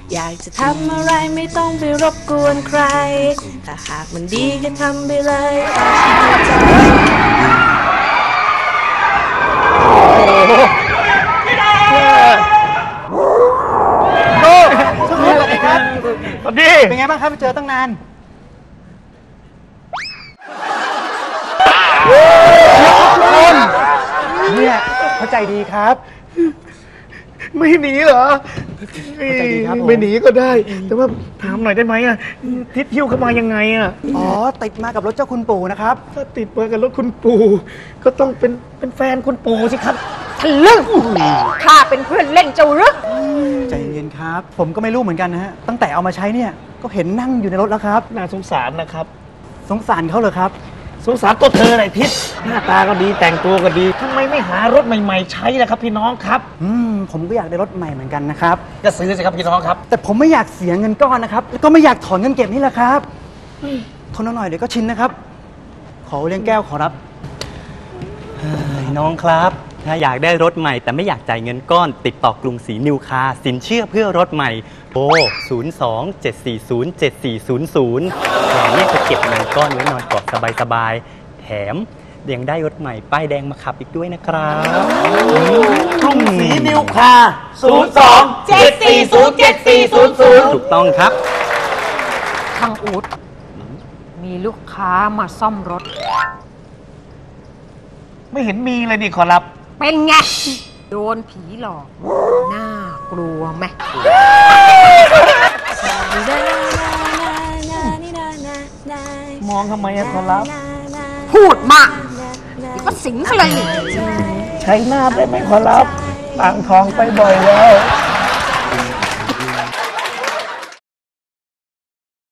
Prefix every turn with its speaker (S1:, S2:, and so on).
S1: อยากจะทำอะไรไม่ต้องไปรบกวนใครถ้าหากมันดีก็ทำไปเลย
S2: โอ้ช่วงนี้อะไรครับสวัสดีเป็นไงบ้างครับไปเจอตั้งนานเนี่ยเข้าใจดีครับไม่หนีเหรอไม่หนีก็ได้แต่ว่าถามหน่อยได้ไหมอ่ะทิศหิ้วเข้ามายังไงอ่ะอ๋อติดมากับรถเจ้าคุณปู่นะครับถ้าติดมากับรถคุณปู่ก็ต้องเป็นแฟนคุณปู่สิครับ
S3: ทะลึ่งข้าเป็นเพื่อนเล่นเจ้าหรือ
S2: ใจเย็นครับผมก็ไม่รู้เหมือนกันนะฮะตั้งแต่เอามาใช้เนี่ยก็เห็นนั่งอยู่ในรถแล้วครับน่าสงสารนะครับสงสารเขาเหรอครับสงสารตัวเธอหน่อยทิศหน้าตาก็ดีแต่งตัวก็ดีทำไมไม่หารถใหม่ๆใช้ล่ะครับพี่น้องครับผมก็อยากได้รถใหม่เหมือนกันนะครับก็ซื้อสิครับพี่น้องครับแต่ผมไม่อยากเสียเงินก้อนนะครับแล้วก็ไม่อยากถอนเงินเก็บนี่แหละครับทนหน่อยเดี๋ยวก็ชินนะครับขอเลี้ยงแก้วขอรับ
S4: น้องครับถ้าอยากได้รถใหม่แต่ไม่อยากจ่ายเงินก้อนติดต่อกรุงศรีนิวคาร์สินเชื่อเพื่อรถใหม่โทร 02-740-7400เราเนี่ยจะเก็บเงินก้อนไว้นอนกอดสบายๆแถมยังได้รถใหม่ป้ายแดงมาขับอีกด้วยนะครับ
S2: กรุงศรีนิวคาร์
S4: ถูกต้องครับ
S3: ทางอูดมีลูกค้ามาซ่อมรถ
S2: ไม่เห็นมีเลยนี่ขอรับ
S3: เป็นไงโดนผีหลอกน่ากลัวไหม
S2: มองทำไมอะขอรับ
S3: พูดมากเดี๋ยวก็สิงเขาเลยนี่
S2: ใช้หน้าได้ไหมขอรับต่างทองไปบ่อยแล้ว